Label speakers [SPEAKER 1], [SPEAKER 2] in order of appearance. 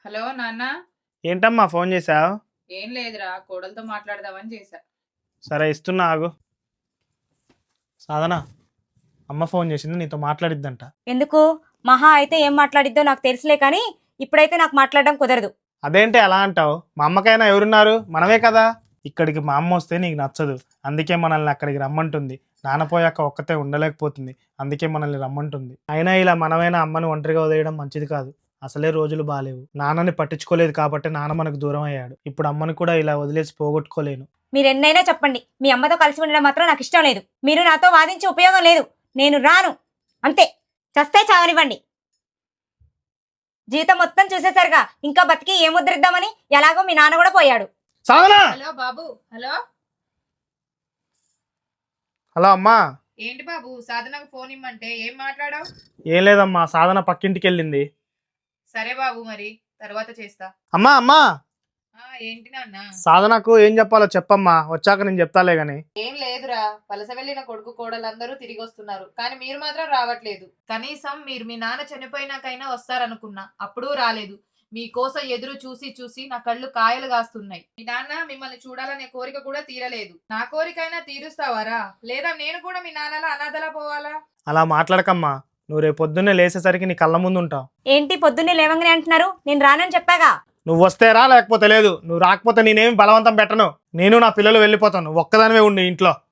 [SPEAKER 1] Hello నాన్న.
[SPEAKER 2] ఏంటమ్మా phone చేసావు?
[SPEAKER 1] ఏం లేదురా, కోడలతో మాట్లాడదామని చేశా.
[SPEAKER 2] సరే ఇస్తున్నా ఆగు. సాధన, అమ్మ ఫోన్ చేసింది, నీతో మాట్లాడిద్దంట.
[SPEAKER 3] ఎందుకు? మహా అయితే ఏం మాట్లాడిద్దో నాకు తెలుసులే, కానీ ఇప్పుడైతే నాకు మాట్లాడడం కుదరదు.
[SPEAKER 2] అదేంటి అలా అంటావు? మా అమ్మకైనా ఎవరున్నారు? మనమే కదా. ఇక్కడికి మా అమ్మ వస్తే నీకు నచ్చదు, అందుకే మనల్ని అక్కడికి రమ్మంటుంది. నాన్నపోయాక ఒక్కతే ఉండలేకపోతుంది, అందుకే మనల్ని రమ్మంటుంది. అయినా ఇలా మనమైనా అమ్మని ఒంటరిగా వదిలేయడం మంచిది కాదు. అసలే రోజులు బాలేవు. నాన్నని పట్టించుకోలేదు కాబట్టి నాన్న మనకు దూరం అయ్యాడు. ఇప్పుడు అమ్మని కూడా ఇలా వదిలేసి పోగొట్టుకోలేను.
[SPEAKER 3] మీరు ఎన్నైనా చెప్పండి, మీ అమ్మతో కలిసి ఉండడం మాత్రం నాకు ఇష్టం లేదు. మీరు నాతో వాదించే ఉపయోగం లేదు. నేను రాను, అంతే. చస్తే చావనివ్వండి. జీవితం మొత్తం చూసేసరిగా ఇంకా బతికి ఏం ముద్రిద్దామని. ఎలాగో మీ నాన్న కూడా పోయాడు.
[SPEAKER 2] సాధన!
[SPEAKER 1] హలో బాబు. హలో.
[SPEAKER 2] హలో అమ్మా.
[SPEAKER 1] ఏంటి బాబు, సాధనకు ఫోన్ ఇమ్మంటే ఏం మాట్లాడావు?
[SPEAKER 2] ఏం లేదమ్మా, సాధన పక్కింటికి వెళ్ళింది.
[SPEAKER 1] సరే బాబు, మరి తర్వాత చేస్తా.
[SPEAKER 2] అమ్మా అమ్మా,
[SPEAKER 1] ఏంటి నాన్న?
[SPEAKER 2] సాధనకు ఏం చెప్పాలో చెప్పమ్మా, వచ్చాక నేను చెప్తాలే గాని.
[SPEAKER 1] ఏం లేదురా, వలస వెళ్ళిన కొడుకు కోడలందరూ తిరిగి వస్తున్నారు, కానీ మీరు మాత్రం రావట్లేదు. కనీసం మీరు మీ నాన్న చనిపోయినాకైనా వస్తారనుకున్నా, అప్పుడూ రాలేదు. మీకోసం ఎదురు చూసి చూసి నా కళ్ళు కాయలు కాస్తున్నాయి. మీ నాన్న మిమ్మల్ని చూడాలనే కోరిక కూడా తీరలేదు. నా కోరికైనా తీరుస్తావారా, లేదా నేను కూడా మీ నాన్నలా అనాథలా పోవాలా?
[SPEAKER 2] అలా మాట్లాడకమ్మా, నువ్వు రేపు పొద్దున్నే లేచేసరికి నీ కళ్ళ ముందు ఉంటావు.
[SPEAKER 3] ఏంటి పొద్దున్నే లేవంగానే అంటున్నారు? నేను రానని చెప్పాగా.
[SPEAKER 2] నువ్వు వస్తే రా, లేకపోతే లేదు. నువ్వు రాకపోతే నేనేమి బలవంతం పెట్టను. నేను నా పిల్లలు వెళ్ళిపోతాను, ఒక్కదానివే ఉండి ఇంట్లో.